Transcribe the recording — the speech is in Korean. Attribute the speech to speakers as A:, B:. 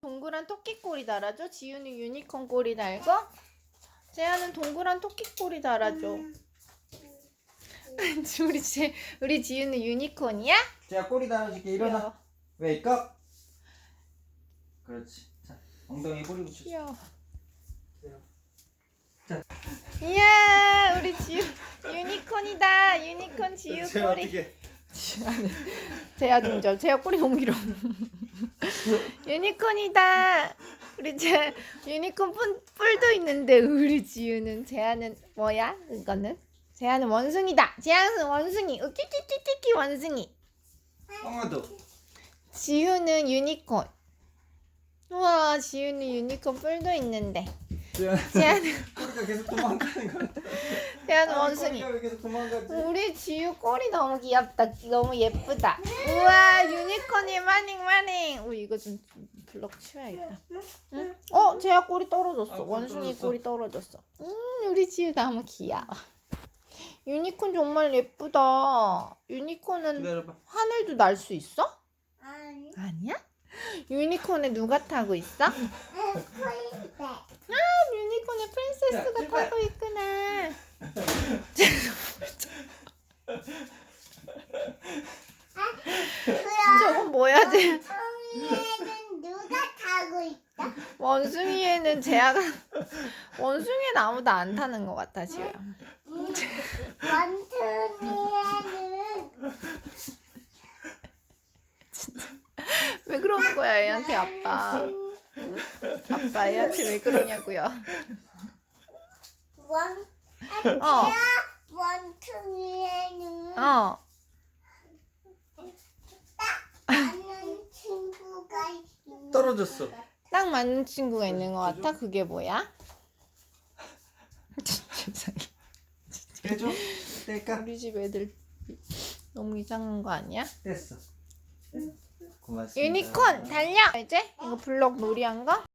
A: 동그란 토끼 꼬리 달아줘. 지우는 유니콘 꼬리 달고, 재아는 동그란 토끼 꼬리 달아줘. 우리 지우는 유니콘이야?
B: 자, 꼬리 달아줄게. 일어나. 웨이크업. 그렇지. 자, 엉덩이 꼬리 붙여.
A: 귀여워.
B: 자.
A: 이야, 우리 지우 유니콘이다. 유니콘 지우
B: 자,
A: 꼬리.
B: 어떻게?
A: 재아 등점. 재아 꼬리 너무 길어. 유니콘이다. 우리 재 유니콘 뿔도 있는데 우리 지우는 재아는 뭐야? 이거는 재아는 원숭이다. 재아는 원숭이. 으끼끼끼끼끼 원숭이.
B: 엉아도.
A: 지우는 유니콘. 우와, 지우는 유니콘 뿔도 있는데. 재아는
B: 꼬리가 계속 도망가는 거야.
A: 재아는 원숭이.
B: 꼬리가 왜 계속 도망가지?
A: 우리 지우 꼬리 너무 귀엽다. 너무 예쁘다. 우와, 유니콘이 마닝. 우리 이거 좀 블럭 치워야겠다. 응? 재아 꼬리 떨어졌어.
B: 꼬리
A: 원숭이
B: 떨어졌어.
A: 꼬리 떨어졌어. 우리 지우 너무 귀여워. 유니콘 정말 예쁘다. 유니콘은
B: 기다려봐.
A: 하늘도 날 수 있어?
C: 아니.
A: 아니야? 유니콘에 누가 타고 있어? 유니콘에 프린세스가
B: 출발.
A: 타고 있구나. 저건 뭐야, 쟤?
C: 원숭이에는 누가 타고 있다?
A: 원숭이에는 재아가 원숭이는 아무도 안 타는 것 같아 지금.
C: 원숭이에는
A: 왜 그러는 거야 애한테 아빠? 아빠 애한테 왜 그러냐고요? 어.
C: 원숭이에는
A: 어.
C: 아는 친구가 있는
B: 떨어졌어.
A: 딱 맞는 친구가 있는 것 같아. 그게 뭐야? 진짜
B: 해줘. 뗄까?
A: 우리 집 애들 너무 이상한 거 아니야?
B: 됐어. 고맙습니다.
A: 유니콘 달려. 이제 이거 블럭 놀이한 거?